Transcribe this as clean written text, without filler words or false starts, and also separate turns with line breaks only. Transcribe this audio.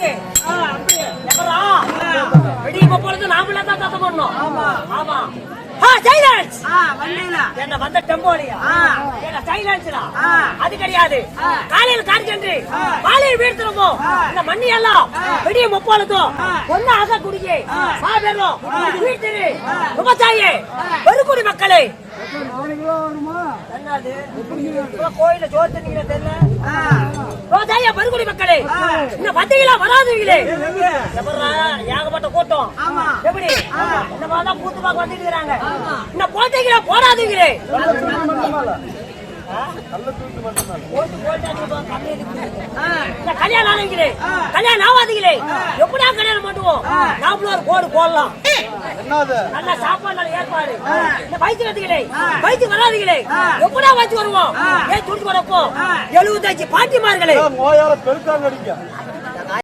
இருக்கு. எப்படா வெடி பொழுது நாமளே தான் சத்தம் பண்ணணும். ஆமா சைலன்ஸ். என்ன வந்த டெம்போலியா என்ன சைலன்ஸ்டா? அது கிடையாது. காலையில் கார்ஜென்ட்ரி காலையில் வீழ்த்துறோமோ இந்த மண்ணி எல்லாம் வெடிய முப்பொழுதும் ஒன்னு ஆக குடிக்கே சாபேரும் வீழ்த்திரு விவசாயி பெருக்குடி மக்களே. என்னது கோயில ஜோதினீங்க தெரியல? விவசாய பெருக்குடி மக்களே இன்னும் வந்தீங்களா வராதுங்களே? ஏகப்பட்ட கூட்டம். எப்படி இந்த மாதிரி கூத்து பார்க்க வந்துட்டு இருக்கிறாங்க. இன்னும் போட்டீங்களா போடாதீங்களே? கல்யாணம் ஆனீங்களே கல்யாணம் ஆகாதீங்களே எப்படா கல்யாணம் பண்ணுவோம்? நாமளும் ஒரு கோடு போடலாம். நல்ல சாப்பாடு ஏற்பாடு. இந்த வயிற்று கத்துங்களே வயிற்று வராதுங்களே எப்படா வயிற்று வருவோம்? ஏன் துடிச்சு வரப்போ 75 பாட்டிமார்களே